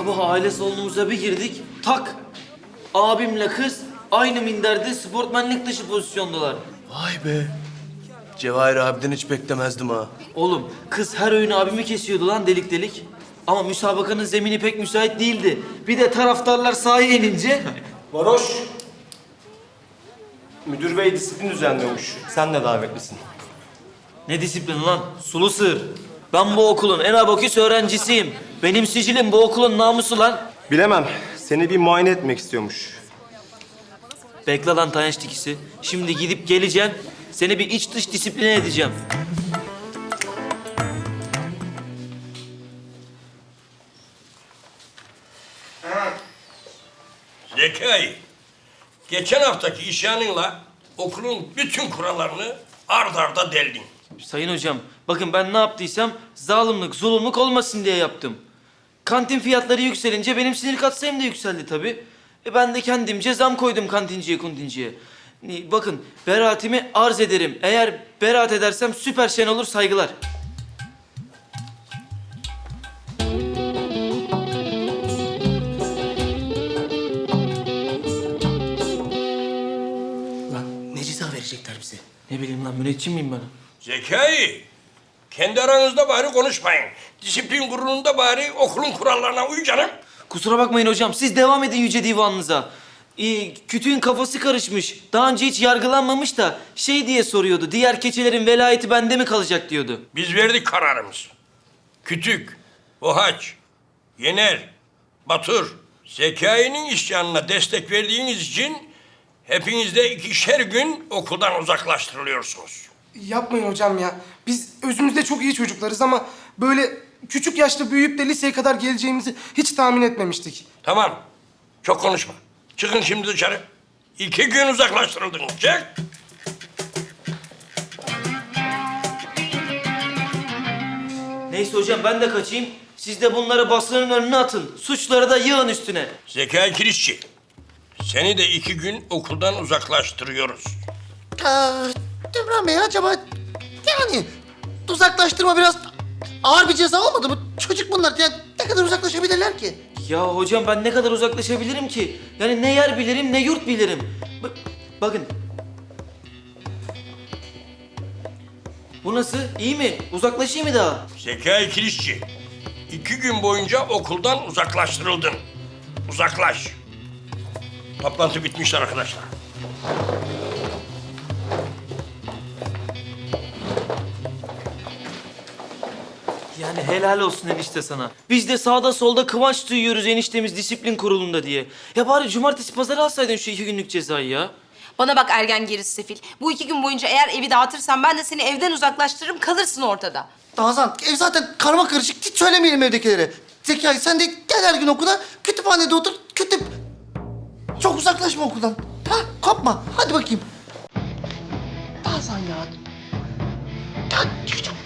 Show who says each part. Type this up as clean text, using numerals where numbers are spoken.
Speaker 1: Sabah aile salonumuza bir girdik, tak! Abimle kız aynı minderde sportmenlik dışı pozisyondalar.
Speaker 2: Vay be. Cevahir abiden hiç beklemezdim ha.
Speaker 1: Oğlum kız her öğün abimi kesiyordu lan delik delik. Ama müsabakanın zemini pek müsait değildi. Bir de taraftarlar sahaya inince...
Speaker 3: Varoş. Müdür bey disiplin düzenliyormuş. Sen de davetlisin.
Speaker 1: Ne disiplin lan? Sulu sığır. Ben bu okulun en abaküs öğrencisiyim. Benim sicilim bu okulun namusu lan.
Speaker 3: Bilemem. Seni bir muayene etmek istiyormuş.
Speaker 1: Bekle lan tanış dikisi. Şimdi gidip geleceğim. Seni bir iç dış disipline edeceğim.
Speaker 4: Zekai, geçen haftaki isyanınla okulun bütün kurallarını ard arda deldin.
Speaker 1: Sayın hocam, bakın ben ne yaptıysam zalimlik, zulümlük olmasın diye yaptım. Kantin fiyatları yükselince benim sinir katsayım da yükseldi tabii. Ben de kendimce zam koydum kantinciye kuntinciye. Bakın, beraatimi arz ederim. Eğer beraat edersem süper şen olur, saygılar.
Speaker 2: Lan ne ceza verecekler bize?
Speaker 1: Ne bileyim lan, müneccim miyim ben?
Speaker 4: Zekai, kendi aranızda bari konuşmayın. Disiplin kurulunda bari okulun kurallarına uy canım.
Speaker 1: Kusura bakmayın hocam, siz devam edin yüce divanınıza. Kütüğün kafası karışmış. Daha önce hiç yargılanmamış da şey diye soruyordu. Diğer keçelerin velayeti bende mi kalacak diyordu.
Speaker 4: Biz verdik kararımızı. Kütük, Bohaç, Yener, Batur, Zekai'nin isyanına destek verdiğiniz için hepiniz de 2'şer gün okuldan uzaklaştırılıyorsunuz.
Speaker 5: Yapmayın hocam ya. Biz özümüzde çok iyi çocuklarız ama böyle küçük yaşta büyüyüp de liseye kadar geleceğimizi hiç tahmin etmemiştik.
Speaker 4: Tamam, çok konuşma. Çıkın şimdi dışarı. 2 gün uzaklaştırıldınız. Çık.
Speaker 1: Neyse hocam ben de kaçayım. Siz de bunları basının önüne atın. Suçları da yığın üstüne.
Speaker 4: Zekai Kirişçi, seni de 2 gün okuldan uzaklaştırıyoruz.
Speaker 6: Devran Bey acaba yani uzaklaştırma biraz ağır bir ceza olmadı mı? Çocuk bunlar yani ne kadar uzaklaşabilirler ki?
Speaker 1: Ya hocam ben ne kadar uzaklaşabilirim ki? Yani ne yer bilirim ne yurt bilirim. Bakın. Bu nasıl? İyi mi? Uzaklaşayım mı daha?
Speaker 4: Zekai Kirişçi, 2 gün boyunca okuldan uzaklaştırıldın. Uzaklaş. Toplantı bitmiştir arkadaşlar.
Speaker 1: Yani helal olsun enişte sana. Biz de sağda solda kıvanç duyuyoruz eniştemiz disiplin kurulunda diye. Ya bari cumartesi pazarı alsaydın şu 2 günlük cezayı ya.
Speaker 7: Bana bak ergen gerisi sefil. Bu 2 gün boyunca eğer evi dağıtırsan ben de seni evden uzaklaştırırım, kalırsın ortada.
Speaker 6: Nazan ev zaten karma karışık hiç söylemeyelim evdekilere. Zekai sen de gel her gün okula kütüphanede otur kütüp. Çok uzaklaşma okuldan. Ha kopma hadi bakayım. Nazan ya. Ya küçük